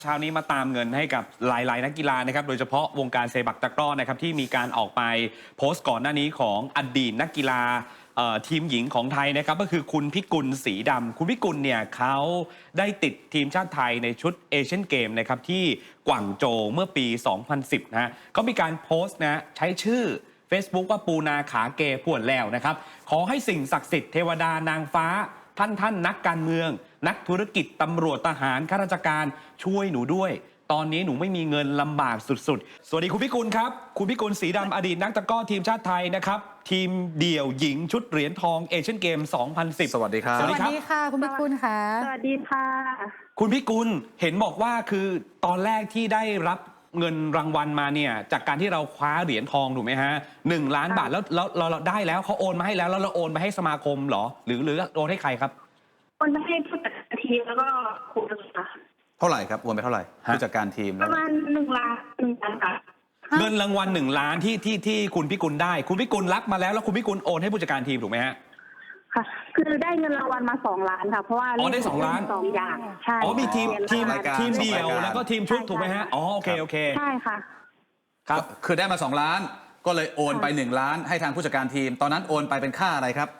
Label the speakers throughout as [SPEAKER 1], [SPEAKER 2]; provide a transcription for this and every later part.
[SPEAKER 1] เช้านี้มาตามเงินให้กับหลายๆนักกีฬานะครับโดยเฉพาะวงการเซปักตะกร้อนะครับที่มีการออกไปโพสต์ก่อนหน้านี้ของอดีตนักกีฬาทีมหญิงของไทยนะครับก็คือคุณพิกุลศรีดำคุณพิกุลเนี่ยเขาได้ติดทีมชาติไทยในชุดเอเชียนเกมนะครับที่กวางโจวเมื่อปี 2010 นะฮะเขามีการโพสต์นะใช้ชื่อ Facebook ว่าปูนาขาเกป่วนแล้วนะครับขอให้สิ่งศักดิ์สิทธิ์เทวดานางฟ้าท่านนักการเมืองนักธุรกิจตำรวจทหารข้าราชการช่วยหนูด้วยตอนนี้หนูไม่มีเงินลำบากสุดๆสวัสดีคุณพิกุลครับคุณพิกุลศรีดำอดีตนักตะกร้อทีมชาติไทยนะครับทีมเดี่ยวหญิงชุดเหรียญทองเอเชียนเกม 2010
[SPEAKER 2] สวัสดีครับ
[SPEAKER 3] สวัสดีค่ะคุณพิกุลค่ะ
[SPEAKER 4] สวัสดีค่ะ
[SPEAKER 1] คุณพิกุลเห็นบอกว่าคือตอนแรกที่ได้รับเงินรางวัลมาเนี่ยจากการที่เราคว้าเหรียญทองถูกไหมฮะ1 ล้านบาทแล้วเราได้แล้วเขาโอนมาให้แล้วเราโอนไปให้สมาคมเหรอหรือโอนให้ใครครับ
[SPEAKER 4] โอนไปให้ผู้จัดการทีมแล้วก็ครูค่ะ
[SPEAKER 2] เท่าไหร่ครับโอนไปเท่าไหร่ผู้จัดการทีม
[SPEAKER 4] ประมาณ1 ล้านค่ะ
[SPEAKER 1] เงินรางวัล1 ล้านที่คุณพิกุลได้คุณพิกุลรับมาแล้วคุณพิกุลโอนให้ผู้จัดการทีมถูกไหมฮะ
[SPEAKER 4] ค่ะคือได้เงินรางวัลมา2 ล้านค่ะเพราะว่า
[SPEAKER 1] ได้2 ล้าน
[SPEAKER 4] 2 อย่างใช่
[SPEAKER 1] มีทีมเดี่ยวแล้วก็ทีมชุดถูกไหมฮะโอเค
[SPEAKER 4] ใช่ค่ะ
[SPEAKER 2] ครับคือได้มา2 ล้านก็เลยโอนไป1 ล้านให้ทางผู้จัดการทีมตอนนั้นโอนไปเป็นค่าอะไรครับ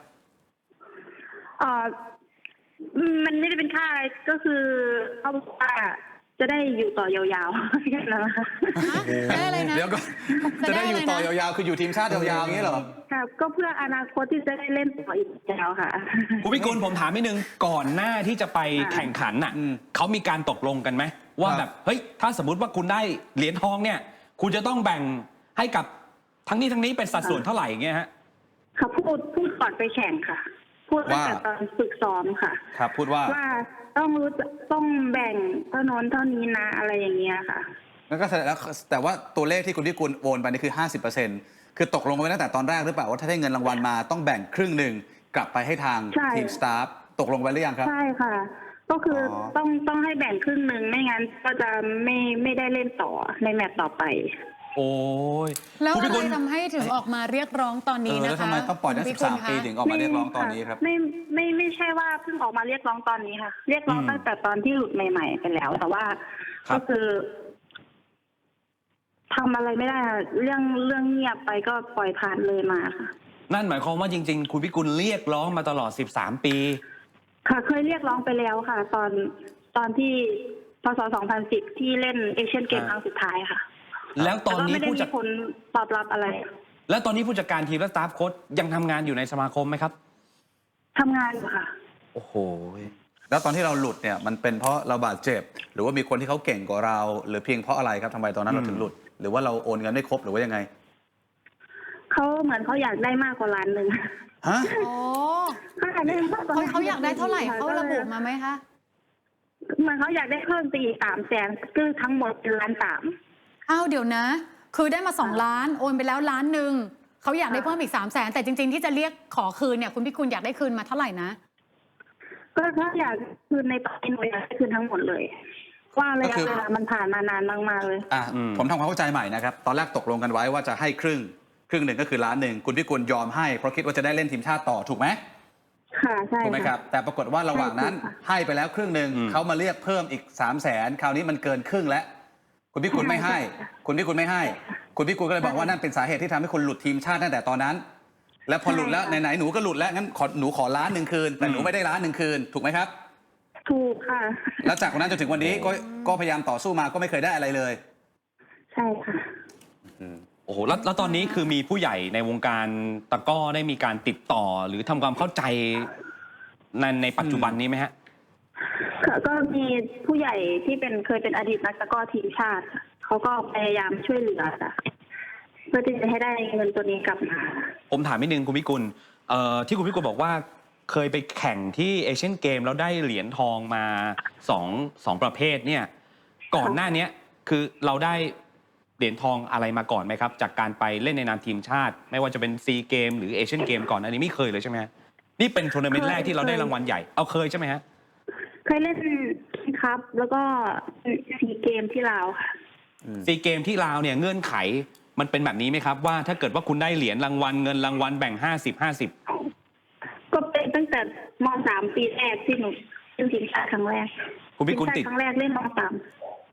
[SPEAKER 4] มันไม่ได้เป็นค่าอะไรก็คือเขาบอกว่าจะได้อยู่ต่อยาวๆแค่นั้นนะคะ
[SPEAKER 3] ได้อะไรนะ
[SPEAKER 2] เดี๋ยวก็จะได้อยู่ต่อยาวๆคืออยู่ทีมชาติยาวๆอย่างนี้เหรอ
[SPEAKER 4] ครับก็เพื่ออนาคตที่จะได้เล่นต่ออีกยาวค่ะ
[SPEAKER 1] คุณพิกุลผมถามนิดนึงก่อนหน้าที่จะไปแข่งขันน่ะเขามีการตกลงกันไหมว่าแบบเฮ้ยถ้าสมมติว่าคุณได้เหรียญทองเนี่ยคุณจะต้องแบ่งให้กับทั้งนี้เป็นสัดส่วนเท่าไหร่อย่างเงี้ยฮะ
[SPEAKER 4] ค่ะพูดก่อนไปแข่งค่ะพูดตั้งแต่ตอนฝึกซ้อมค่ะ
[SPEAKER 2] ครับพูดว่า
[SPEAKER 4] ต้องแบ่งเท่านั้นเท่านี้นะอะไรอย่างเงี้ยค่ะ
[SPEAKER 2] แล้วก็แต่ว่าตัวเลขที่คุณพิกุลโอนไปนี่คือ 50%คือตกลงกันไว้ตั้งแต่ตอนแรกหรือเปล่าว่าถ้าได้เงินรางวัลมาต้องแบ่งครึ่งหนึ่งกลับไปให้ทางทีมสตาฟตกลงไว้หรือยังครับ
[SPEAKER 4] ใช่ค่ะก็คือต้องให้แบ่งครึ่งหนึ่งไม่งั้นก็จะไม่ได้เล่นต่อในแมตช์ต่อไป
[SPEAKER 1] โอ้ย
[SPEAKER 3] แล้วอะไรทำให้ถึงออกมาเรียกร้องตอนนี้นะคะ
[SPEAKER 2] แล้วทำไมต้องปล่อยได้13 ปีถึงออกมาเรียกร้องตอนนี้ครับ
[SPEAKER 4] ไม่ใช่ว่าเพิ่งออกมาเรียกร้องตอนนี้ค่ะเรียกร้องตั้งแต่ตอนที่หลุดใหม่ๆไปแล้วแต่ว่าก็คือทำอะไรไม่ได้เรื่องเงียบไปก็ปล่อยผ่านเลยมาค่ะ
[SPEAKER 1] นั่นหมายความว่าจริงๆคุณพิกุลเรียกร้องมาตลอด13 ปี
[SPEAKER 4] ค่ะเคยเรียกร้องไปแล้วค่ะตอนที่พศ2010ที่เล่นเอเชียนเกมครั้งสุดท้ายค่ะ
[SPEAKER 1] แล้วตอนนี้
[SPEAKER 4] ผู้จัดการตอบรับอะไร
[SPEAKER 1] แล้วตอนนี้ผู้จัดการทีมและสตาฟโค้ชยังทำงานอยู่ในสมาคมไหมครับ
[SPEAKER 4] ทำงานอยู่ค่ะ
[SPEAKER 1] โอ้โห
[SPEAKER 2] แล้วตอนที่เราหลุดเนี่ยมันเป็นเพราะเราบาดเจ็บหรือว่ามีคนที่เขาเก่งกว่าเราหรือเพียงเพราะอะไรครับทำไมตอนนั้นเราถึงหลุดหรือว่าเราโอนเงินไม่ครบหรือว่ายังไง
[SPEAKER 4] เขาเหมือนเขาอยากได้มากกว่า1 ล้าน
[SPEAKER 2] ฮะ
[SPEAKER 3] อ๋อเขาอยากได้เท่าไหร่เขาระบุมาไหมคะ
[SPEAKER 4] เหมือนเขาอยากได้เพิ่มไปอีก300,000คือทั้งหมดเป็น1.3 ล้าน
[SPEAKER 3] อ้าวเดี๋ยวนะคือได้มา2 ล้านโอนไปแล้ว1 ล้านเขาอยากได้เพิ่มอีก300,000แต่จริงๆที่จะเรียกขอคืนเนี่ยคุณพิกุลอยากได้คืนมาเท่าไหร่นะ
[SPEAKER 4] ก็ถ้าอยากคืนในตอนนี้หนูอยากได้คืนทั้งหมดเลยว่าระยะเวลามันผ่านมานานมากๆเลย
[SPEAKER 2] ผมทำความเข้าใจใหม่นะครับตอนแรกตกลงกันไว้ว่าจะให้ครึ่งหนึ่งก็คือ1 ล้านคุณพิกุลยอมให้เพราะคิดว่าจะได้เล่นทีมชาติต่อถูกไหม
[SPEAKER 4] ค่ะใช่
[SPEAKER 2] ถูกไหมครับแต่ปรากฏว่าระหว่างนั้นให้ไปแล้วครึ่งหนึ่งเขามาเรียกเพิ่มอีก300,000คราวนี้มันเกินครึ่งแล้วคุณพิกุลไม่ให้คุณพิกุลก็เลยบอกว่านั่นเป็นสาเหตุที่ทำให้คุณหลุดทีมชาติตั้งแต่ตอนนั้นแล้วพอหลุดแล้วไหนๆหนูก็หลุดแล้วงั้นหนูขอ1 ล้านคืนแต่หนูไม่ได้1 ล้านคืนถูกไหมครับ
[SPEAKER 4] ถูกค่ะ
[SPEAKER 2] แล้วจากวันนั้นจนถึงวันนี้ก็พยายามต่อสู้มาก็ไม่เคยได้อะไรเลย
[SPEAKER 4] ใช่ค่ะ
[SPEAKER 1] โอ้โหแล้วตอนนี้คือมีผู้ใหญ่ในวงการตะกร้อได้มีการติดต่อหรือทำความเข้าใจในปัจจุบันนี้ไหมฮะ
[SPEAKER 4] ก็มีผู้ใหญ่ที่เคยเป็นอดีตนักตะกร้อทีมชาติเขาก็พยายามช่วยเหลือเพื่อที่จะให้ได้เงินตัวนี้กลับมา
[SPEAKER 1] ผมถามนิดนึงคุณพิกุลที่คุณพิกุลบอกว่าเคยไปแข่งที่เอเชียนเกมแล้วได้เหรียญทองมาสองประเภทเนี่ยก่อนหน้านี้คือเราได้เหรียญทองอะไรมาก่อนไหมครับจากการไปเล่นในนามทีมชาติไม่ว่าจะเป็นซีเกมหรือเอเชียนเกมก่อนอันนี้ไม่เคยเลยใช่ไหมนี่เป็นทัวร์นาเมนต์แรกที่เราได้รางวัลใหญ่เอาเคยใช่ไหมฮะ
[SPEAKER 4] เคยเล่นครับแล้วก็ซีเกมที่ลาวค่ะ
[SPEAKER 1] ซีเกมที่ลาวเนี่ยเงื่อนไขมันเป็นแบบนี้ไหมครับว่าถ้าเกิดว่าคุณได้เหรียญรางวัลเงินรางวัลแบ่ง50-50
[SPEAKER 4] ก็เป็นตั้งแต่ม.3 ปีแรกที่หนูเล่นทีมชาติครั้งแรก
[SPEAKER 1] คุณพิกุลติด
[SPEAKER 4] ครั้งแรกเล่นม.3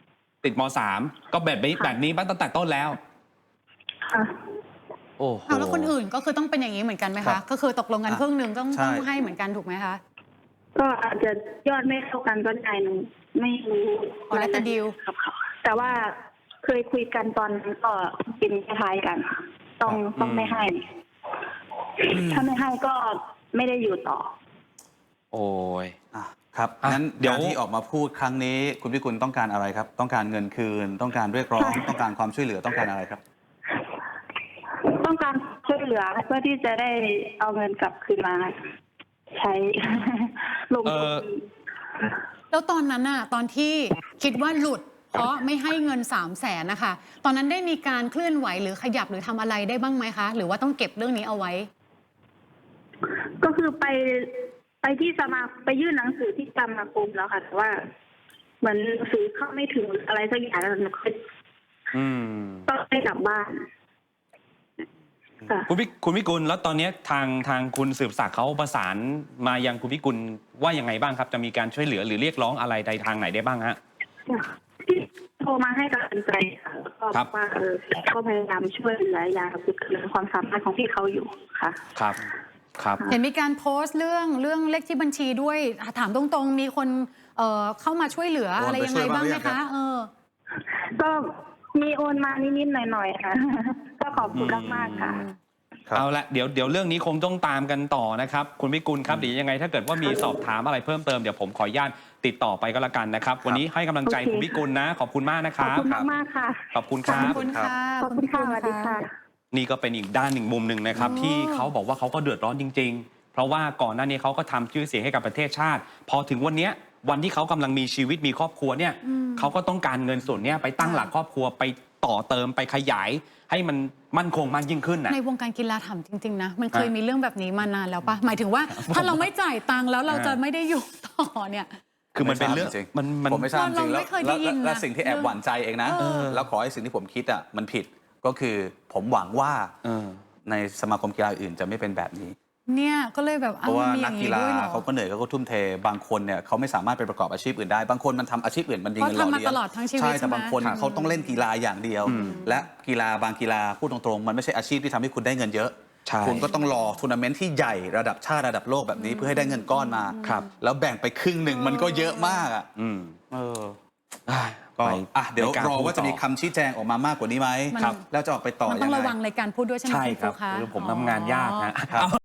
[SPEAKER 1] ติดม .3 ก็แบบนี้
[SPEAKER 4] ค่ะ
[SPEAKER 1] แบบนี้ตั้งแต่ต้นแล้ว
[SPEAKER 4] ค่ะ
[SPEAKER 1] โอ้โห
[SPEAKER 3] เอาแล้วคนอื่นก็คือต้องเป็นอย่างนี้เหมือนกันไหม
[SPEAKER 2] ครั
[SPEAKER 3] คะ
[SPEAKER 2] บ
[SPEAKER 3] ก็คือตกลงกัน
[SPEAKER 2] อ่ะ
[SPEAKER 3] ครึ่งหนึ่งต้อง
[SPEAKER 2] ใช่
[SPEAKER 3] ให้เหมือนกันถูกไหมคะ
[SPEAKER 4] ก็อาจจะยอดไม่เท่ากันก็ได้หนูไม่รู้
[SPEAKER 3] อ๋อแล้วแต่ดีล
[SPEAKER 4] ครับเขาแต่ว่าเคยคุยกันตอนนั้นก็เป็นคล้ายๆกันค่ะต้องไม่ให้ ถ้าไม่ให้ก็ไม่ได้อยู่ต่อ
[SPEAKER 1] โอ้ย
[SPEAKER 2] อ่ะครับ
[SPEAKER 1] อ่ะ
[SPEAKER 2] งั้น
[SPEAKER 1] เดี๋ยว
[SPEAKER 2] การที่ออกมาพูดครั้งนี้ คุณพิกุลต้องการอะไรครับ ต้องการเงินคืน ต้องการเรียกร้อง ต้องการความช่วยเหลือต้องการอะไรครับ
[SPEAKER 4] ต้องการช่วยเหลือเพื่อที่จะได้เอาเงินกลับคืนมาใช้ ลงทุน
[SPEAKER 3] แล้วตอนนั้นน่ะตอนที่คิดว่าหลุด เพราะไม่ให้เงิน300,000นะคะตอนนั้นได้มีการเคลื่อนไหวหรือขยับหรือทำอะไรได้บ้างไหมคะ หรือว่าต้องเก็บเรื่องนี้เอาไว้
[SPEAKER 4] ก็คือไปที่ไปยื่นหนังสือที่สมาคมแล้วค่ะแต่ว่า เหมือนหนังสือเข้าไม่ถึงอะไรสักอย่างแล้วหนูก็
[SPEAKER 1] อืม
[SPEAKER 4] ต้องได้กลับบ้านค่ะ
[SPEAKER 1] คุณพิกุลแล้วตอนนี้ทางคุณสืบศักดิ์เขาประสานมายังคุณพิกุลว่ายังไงบ้างครับ จะมีการช่วยเหลือหรือเรียกร้องอะไรใดทางไหนได้บ้างฮะ
[SPEAKER 4] ที่โทรมาให้กำลังใจค่ะแล้วก็
[SPEAKER 1] ครับ
[SPEAKER 4] ว่าเขาพยายามช่วยเหลืออย่างสุดความสามารถของพี่เขาอยู่ค่ะ
[SPEAKER 1] ครับ ครับ
[SPEAKER 3] เห็นมีการโพสต์เรื่องเลขที่บัญชีด้วย ถามตรงๆ มีคนเข้ามาช่วยเหลือ
[SPEAKER 2] โอน
[SPEAKER 3] อะไร
[SPEAKER 2] ไป
[SPEAKER 3] ยัง
[SPEAKER 2] ช่
[SPEAKER 3] ไง
[SPEAKER 2] วย
[SPEAKER 3] บ้างไหม
[SPEAKER 2] บ้างหรือยังครั
[SPEAKER 3] คะ
[SPEAKER 2] บ
[SPEAKER 4] ก็มีโอนมานิดๆหน่อยๆค่ะ ก็ขอบคุณมากๆค่ะ
[SPEAKER 2] ครับ
[SPEAKER 1] เอาละเดี๋ยวเรื่องนี้คงต้องตามกันต่อนะครับ คุณพิกุลครับเดี๋ยวยังไงถ้าเกิดว่ามีสอบถามอะไรเพิ่มเติมเดี๋ยวผมขออนุญาตติดต่อไปก็แล้วกันนะครับ วันนี้ให้กำลังใจ
[SPEAKER 4] โอเค
[SPEAKER 1] คุณพิกุลนะ ขอบคุณมากนะค
[SPEAKER 4] ขอบ
[SPEAKER 1] รับ
[SPEAKER 4] คุณมากๆค่ะ
[SPEAKER 1] ขอบคุณครั
[SPEAKER 3] ขอบบ คุณค่ะ
[SPEAKER 4] ขอบคุณค่ะสวัสดีค่ะ
[SPEAKER 1] นี่ก็เป็นอีกด้านหนึ่งมุมหนึ่งนะครับ
[SPEAKER 3] อ๋อ
[SPEAKER 1] ที่เขาบอกว่าเขาก็เดือดร้อนจริง ๆ เพราะว่าก่อนหน้านี้เขาก็ทำชื่อเสียงให้กับประเทศชาติ พอถึงวันเนี้ยวันที่เขากำลังมีชีวิตมีครอบครัวเนี่ยเขาก็ต้องการเงินส่วนเนี้ยไปตั้งหลักครอบครัวไปต่อเติมไปขยาย ให้มันมั่นคงมากยิ่งขึ้นนะ
[SPEAKER 3] ในวงการกีฬาถามจริง ๆ นะ มันเคยมีเรื่องแบบนี้มานานแล้วปะหมายถึงว่าถ้าเราไม่จ่ายตังค์แล้วเราจะไม่ได้อยู่ต่อเนี่ย
[SPEAKER 1] คือมันเป็นเรื่อง
[SPEAKER 2] จริง
[SPEAKER 1] มัน
[SPEAKER 2] ผมไม่ทราบจริง
[SPEAKER 3] เรา
[SPEAKER 2] แล้ว
[SPEAKER 3] ไม่เคยได้ยินนะ
[SPEAKER 2] และสิ่งที่แอบหวั่นใจเองนะ แล้วขอให้สิ่งที่ผมคิดอ่ะมันผิดก็คือผมหวังว่า
[SPEAKER 1] เออ
[SPEAKER 2] ในสมาคมกีฬาอื่นจะไม่เป็นแบบนี้
[SPEAKER 3] เนี่ยก็เลยแบบ
[SPEAKER 2] เพราะว่า
[SPEAKER 3] มีอ
[SPEAKER 2] นัก
[SPEAKER 3] ย่าง
[SPEAKER 2] กี
[SPEAKER 3] นี้
[SPEAKER 2] ฬา
[SPEAKER 3] ด้วยเหรอ
[SPEAKER 2] เขาก็เหนื่อยเขาก็ทุ่มเทบางคนเนี่ยเขาไม่สามารถไปประกอบอาชีพอื่นได้ บางคนมันทำอาชีพอื่นมันดีเงินหล่อ
[SPEAKER 3] เพราะทำมา
[SPEAKER 2] เลี้ยง
[SPEAKER 3] ตลอดทั้งชีวิต
[SPEAKER 2] ใช่
[SPEAKER 3] ใช่
[SPEAKER 2] แต่
[SPEAKER 3] ไหม
[SPEAKER 2] บางคนเขาต้องเล่นกีฬาอย่างเดียว และกีฬาบางกีฬาพูดตรงๆมันไม่ใช่อาชีพที่ทำให้คุณได้เงินเยอะ
[SPEAKER 1] ใช่
[SPEAKER 2] คุณก็ต้องรอทัวร์นาเมนต์ที่ใหญ่ระดับชาติระดับโลกแบบนี้เพื่อให้ได้เงินก้อนมา
[SPEAKER 1] ครับ
[SPEAKER 2] แล้วแบ่งไปครึ่งหนึ่งมันก็เยอะมากอ่ะ
[SPEAKER 1] อืม
[SPEAKER 2] เออ
[SPEAKER 1] อ่ะ
[SPEAKER 2] ก็
[SPEAKER 1] ไป
[SPEAKER 2] เดี๋ยว
[SPEAKER 1] ในการ
[SPEAKER 2] รอว่าจะมี
[SPEAKER 1] พูดต่อ
[SPEAKER 2] คำชี้แจงออกมามากกว่านี้ไหม
[SPEAKER 3] มัน
[SPEAKER 2] แล้วจะออกไปต่อ
[SPEAKER 3] มัน
[SPEAKER 2] ยั
[SPEAKER 3] ต้อง
[SPEAKER 2] งไง
[SPEAKER 3] ระวังในการพูดด้วยใช่ไหม
[SPEAKER 1] ใช่
[SPEAKER 3] คุณ
[SPEAKER 1] ครับ
[SPEAKER 3] ครูคะ
[SPEAKER 1] คือผมทำงานยากฮะ
[SPEAKER 2] ครับ